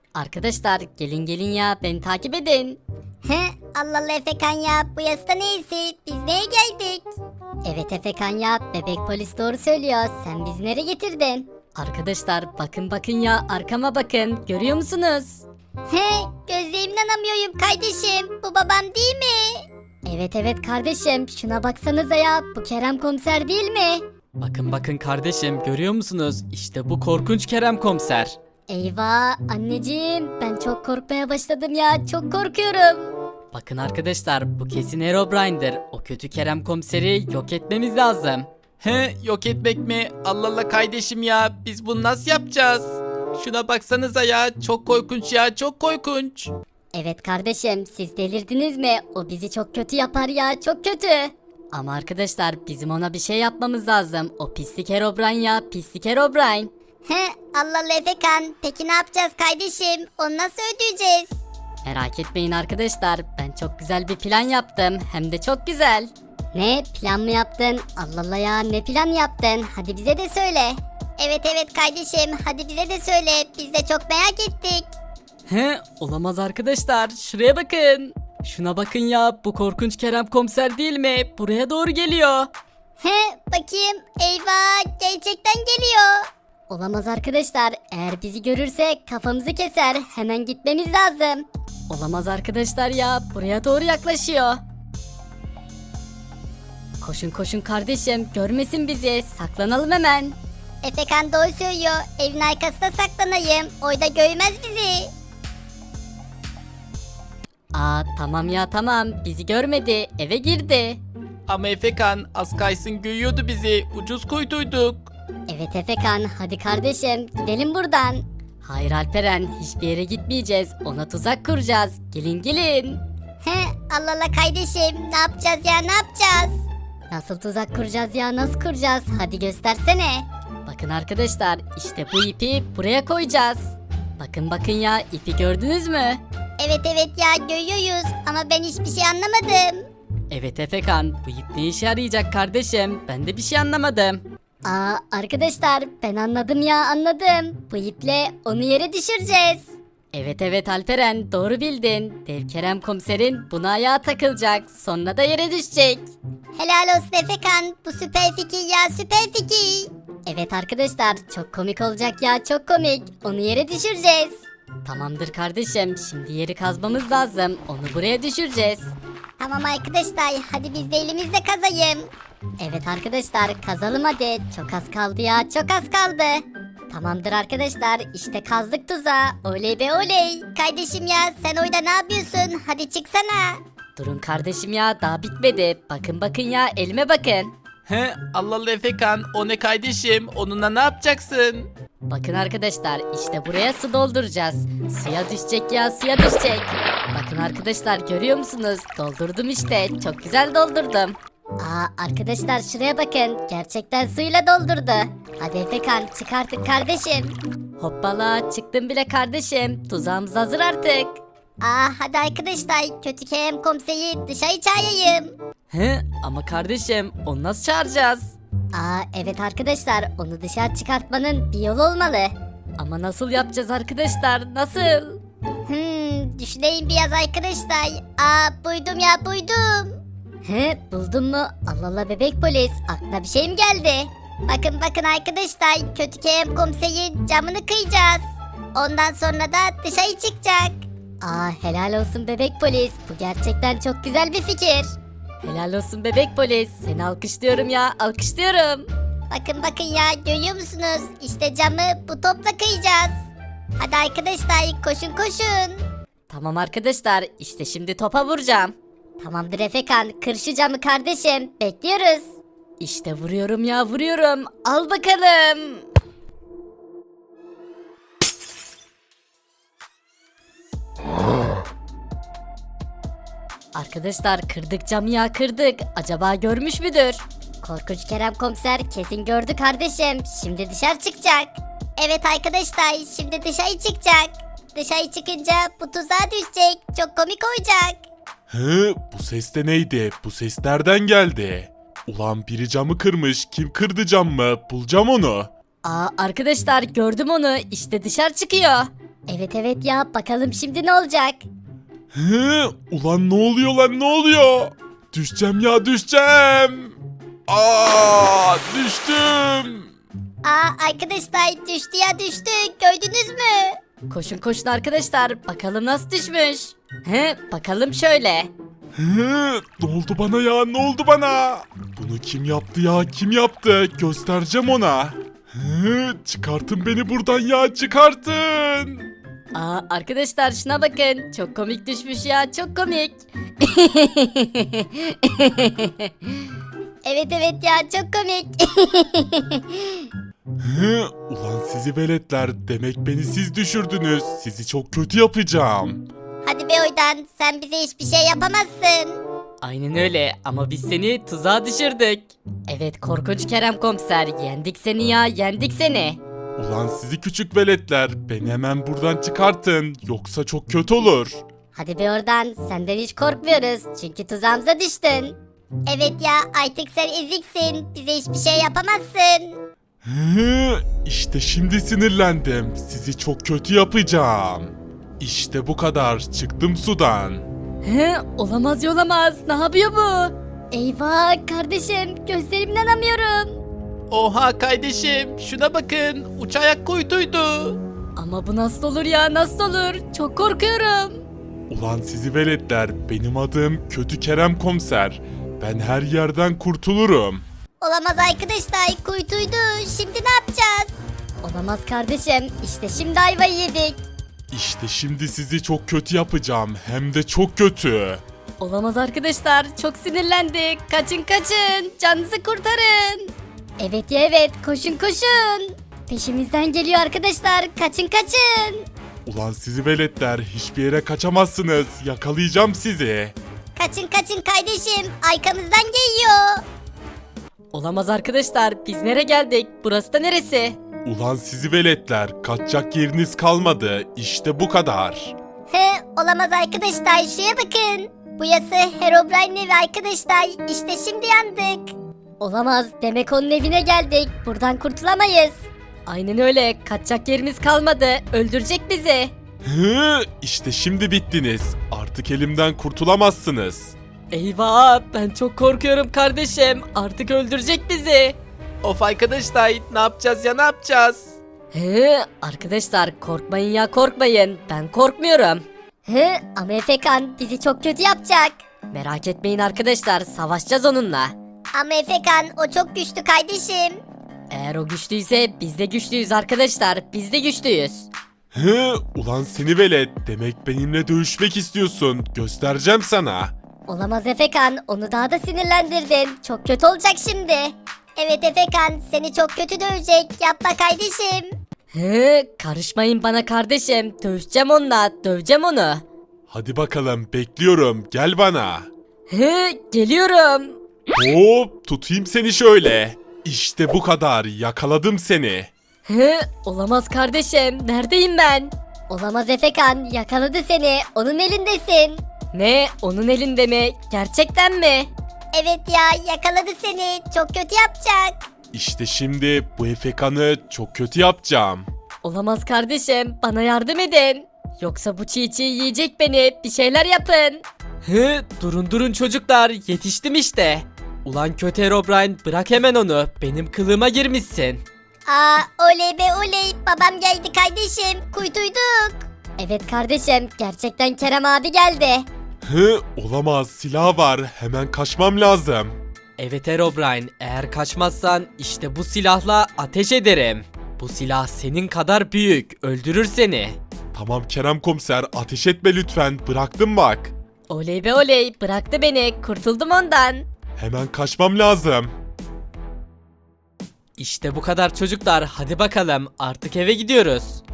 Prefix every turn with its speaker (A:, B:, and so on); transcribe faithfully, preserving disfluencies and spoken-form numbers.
A: Arkadaşlar gelin gelin ya beni takip edin.
B: He, Allah Allah Efekan ya, bu yasta neyse, biz neye geldik?
A: Evet Efekan ya, bebek polis doğru söylüyor. Sen bizi nereye getirdin? Arkadaşlar bakın bakın ya, arkama bakın, görüyor musunuz?
B: He, gözlerime inanamıyorum kardeşim, bu babam değil mi?
A: Evet evet kardeşim, şuna baksanıza ya, bu Kerem komiser değil mi?
C: Bakın bakın kardeşim, görüyor musunuz? İşte bu korkunç Kerem komiser.
A: Eyvah anneciğim, ben çok korkmaya başladım ya, çok korkuyorum.
C: Bakın arkadaşlar, bu kesin Herobrine'dir. O kötü Kerem komiseri yok etmemiz lazım. He, yok etmek mi? Allah Allah kardeşim ya, biz bunu nasıl yapacağız? Şuna baksanıza ya, çok korkunç ya, çok korkunç.
A: Evet kardeşim, siz delirdiniz mi? O bizi çok kötü yapar ya, çok kötü. Ama arkadaşlar bizim ona bir şey yapmamız lazım. O pislik Herobrine ya, pislik Herobrine.
B: He, Allah Allah Efekan, peki ne yapacağız kardeşim, onu nasıl ödeyeceğiz?
A: Merak etmeyin arkadaşlar, ben çok güzel bir plan yaptım, hem de çok güzel. Ne plan mı yaptın? Allah Allah ya, ne plan yaptın? Hadi bize de söyle.
B: Evet evet kardeşim, hadi bize de söyle, biz de çok merak ettik.
C: He, olamaz arkadaşlar, şuraya bakın. Şuna bakın ya, bu korkunç Kerem komiser değil mi? Buraya doğru geliyor.
B: He, bakayım, eyvah, gerçekten geliyor.
A: Olamaz arkadaşlar, eğer bizi görürse kafamızı keser, hemen gitmemiz lazım. Olamaz arkadaşlar ya, buraya doğru yaklaşıyor. Koşun koşun kardeşim, görmesin bizi, saklanalım hemen.
B: Efekan doğru söylüyor, evin arkasına saklanayım, orada görmez bizi.
A: Aa tamam ya tamam, bizi görmedi, eve girdi.
C: Ama Efekan, az kaysın görüyordu bizi, ucuz kuytuyduk.
A: Evet Efekan, hadi kardeşim gidelim buradan. Hayır Alperen, hiçbir yere gitmeyeceğiz, ona tuzak kuracağız, gelin gelin.
B: He, Allah Allah kardeşim, ne yapacağız ya, ne yapacağız?
A: Nasıl tuzak kuracağız ya, nasıl kuracağız, hadi göstersene. Bakın arkadaşlar, işte bu ipi buraya koyacağız. Bakın bakın ya, ipi gördünüz mü?
B: Evet evet ya, görüyoruz ama ben hiçbir şey anlamadım.
C: Evet Efekan, bu ip ne işe yarayacak kardeşim? Ben de bir şey anlamadım.
A: Aa arkadaşlar, ben anladım ya, anladım. Bu iple onu yere düşüreceğiz. Evet evet Alperen, doğru bildin. Dev Kerem komiserin buna ayağa takılacak, sonra da yere düşecek.
B: Helal olsun Efekan, bu süper fikir ya, süper fikir.
A: Evet arkadaşlar, çok komik olacak ya, çok komik. Onu yere düşüreceğiz. Tamamdır kardeşim, şimdi yeri kazmamız lazım. Onu buraya düşüreceğiz.
B: Tamam arkadaşlar, hadi biz de elimizle kazayım.
A: Evet arkadaşlar, kazalım hadi. Çok az kaldı ya, çok az kaldı. Tamamdır arkadaşlar, işte kazdık tuzağı. Oley be oley.
B: Kardeşim ya, sen orada ne yapıyorsun? Hadi çıksana.
A: Durun kardeşim ya, daha bitmedi. Bakın bakın ya, elime bakın.
C: He, Allah Allah Efekan, o ne kardeşim? Onunla ne yapacaksın?
A: Bakın arkadaşlar, işte buraya su dolduracağız. Suya düşecek ya, suya düşecek. Bakın arkadaşlar, görüyor musunuz? Doldurdum işte, çok güzel doldurdum. Aa arkadaşlar, şuraya bakın, gerçekten suyla doldurdu. Hadi Efekan, çık artık kardeşim. Hoppala, çıktım bile kardeşim, tuzağımız hazır artık.
B: Aa hadi arkadaşlar, kötü Kerem komiseri dışarı çağırayım.
C: He, ama kardeşim, onu nasıl çağıracağız?
A: Aa evet arkadaşlar, onu dışarı çıkartmanın bir yolu olmalı. Ama nasıl yapacağız arkadaşlar, nasıl?
B: Hmm, düşüneyim biraz arkadaşlar. Aa buydum ya, buydum.
A: He, buldun mu? Allah Allah bebek polis, aklına bir şey mi geldi?
B: Bakın bakın arkadaşlar, kötü Kerem komiserin camını kıyacağız. Ondan sonra da dışarı çıkacak.
A: Aa helal olsun bebek polis, bu gerçekten çok güzel bir fikir. Helal olsun bebek polis, seni alkışlıyorum ya, alkışlıyorum.
B: Bakın bakın ya, görüyor musunuz? İşte camı bu topla kıyacağız. Hadi arkadaşlar, koşun koşun.
A: Tamam arkadaşlar, işte şimdi topa vuracağım. Tamamdır Efekan, kır şu camı kardeşim, bekliyoruz. İşte vuruyorum ya, vuruyorum, al bakalım. Arkadaşlar, kırdık camı ya, kırdık. Acaba görmüş müdür? Korkunç Kerem komiser kesin gördü kardeşim. Şimdi dışarı çıkacak.
B: Evet arkadaşlar, şimdi dışarı çıkacak. Dışarı çıkınca bu tuzağa düşecek. Çok komik olacak.
D: Hı, bu ses de neydi? Bu ses nereden geldi? Ulan biri camı kırmış. Kim kırdı camı? Bulacağım onu.
A: Aa arkadaşlar, gördüm onu. İşte dışarı çıkıyor.
B: Evet evet ya bakalım şimdi ne olacak?
D: Hı, ulan ne oluyor lan ne oluyor? Düşeceğim ya düşeceğim. Aa düştüm.
B: Aa arkadaşlar düştü ya düştü gördünüz mü?
A: Koşun koşun arkadaşlar bakalım nasıl düşmüş. He bakalım şöyle.
D: Hı, ne oldu bana ya ne oldu bana? Bunu kim yaptı ya kim yaptı? Göstereceğim ona. Hı, çıkartın beni buradan ya çıkartın.
A: Aa arkadaşlar şuna bakın çok komik düşmüş ya çok komik.
B: Evet evet ya çok komik.
D: Hı, ulan sizi veletler demek beni siz düşürdünüz. Sizi çok kötü yapacağım.
B: Hadi be oradan sen bize hiçbir şey yapamazsın.
C: Aynen öyle ama biz seni tuzağa düşürdük.
A: Evet korkunç Kerem komiser yendik seni ya yendik seni.
D: Ulan sizi küçük veletler beni hemen buradan çıkartın yoksa çok kötü olur.
B: Hadi be oradan senden hiç korkmuyoruz çünkü tuzağımıza düştün. Evet ya artık sen eziksin bize hiçbir şey yapamazsın.
D: Hı, işte şimdi sinirlendim. Sizi çok kötü yapacağım. İşte bu kadar. Çıktım sudan.
A: He olamaz yolamaz ne yapıyor bu?
B: Eyvah kardeşim gözlerimden inanamıyorum.
C: Oha kardeşim şuna bakın uç ayak kuytuydu.
A: Ama bu nasıl olur ya nasıl olur çok korkuyorum.
D: Ulan sizi veletler. Benim adım Kötü Kerem Komiser. Ben her yerden kurtulurum.
B: Olamaz arkadaşlar kuytuydu şimdi ne yapacağız? Olamaz kardeşim işte şimdi ayvayı yedik.
D: İşte şimdi sizi çok kötü yapacağım. Hem de çok kötü.
A: Olamaz arkadaşlar çok sinirlendik kaçın kaçın canınızı kurtarın.
B: Evet ya evet koşun koşun. Peşimizden geliyor arkadaşlar kaçın kaçın.
D: Ulan sizi veletler. Hiçbir yere kaçamazsınız. Yakalayacağım sizi.
B: Kaçın kaçın kardeşim arkamızdan geliyor.
A: Olamaz arkadaşlar biz nereye geldik burası da neresi?
D: Ulan sizi veletler. Kaçacak yeriniz kalmadı. İşte bu kadar.
B: He olamaz arkadaşlar şuraya bakın. Bu yası Herobrine'in evi arkadaşlar işte şimdi yandık. Olamaz demek onun evine geldik buradan kurtulamayız.
A: Aynen öyle kaçacak yerimiz kalmadı öldürecek bizi.
D: Hı, işte şimdi bittiniz. Artık elimden kurtulamazsınız.
A: Eyvah ben çok korkuyorum kardeşim artık öldürecek bizi.
C: Of arkadaşlar ne yapacağız ya ne yapacağız?
A: He arkadaşlar korkmayın ya korkmayın ben korkmuyorum.
B: He ama Efekan bizi çok kötü yapacak.
A: Merak etmeyin arkadaşlar savaşacağız onunla.
B: Ama Efekan o çok güçlü kardeşim.
A: Eğer o güçlüyse biz de güçlüyüz arkadaşlar biz de güçlüyüz.
D: Hı, ulan seni velet. Demek benimle dövüşmek istiyorsun. Göstereceğim sana.
B: Olamaz Efekan onu daha da sinirlendirdin. Çok kötü olacak şimdi. Evet Efekan seni çok kötü dövecek. Yapma kardeşim.
A: He karışmayın bana kardeşim dövüşeceğim onunla döveceğim onu.
D: Hadi bakalım bekliyorum. Gel bana.
A: He geliyorum.
D: Hop tutayım seni şöyle. İşte bu kadar. Yakaladım seni.
A: He olamaz kardeşim neredeyim ben?
B: Olamaz Efekan yakaladı seni. Onun elindesin.
A: Ne onun elinde mi gerçekten mi?
B: Evet ya yakaladı seni. Çok kötü yapacak.
D: İşte şimdi bu efekanı çok kötü yapacağım.
A: Olamaz kardeşim bana yardım edin. Yoksa bu çiğ çiğ yiyecek beni bir şeyler yapın.
C: Hı, durun durun çocuklar yetiştim işte. Ulan kötü Herobrine bırak hemen onu benim kılığıma girmişsin.
B: Aa oley be oley. Babam geldi kardeşim. Kuytuyduk. Evet kardeşim gerçekten Kerem abi geldi.
D: Hı, olamaz. Silah var. Hemen kaçmam lazım.
C: Evet Herobrine eğer kaçmazsan işte bu silahla ateş ederim. Bu silah senin kadar büyük öldürür seni.
D: Tamam Kerem Komiser ateş etme lütfen. Bıraktım bak.
A: Oley be oley bıraktı beni kurtuldum ondan.
D: Hemen kaçmam lazım.
C: İşte bu kadar çocuklar hadi bakalım artık eve gidiyoruz.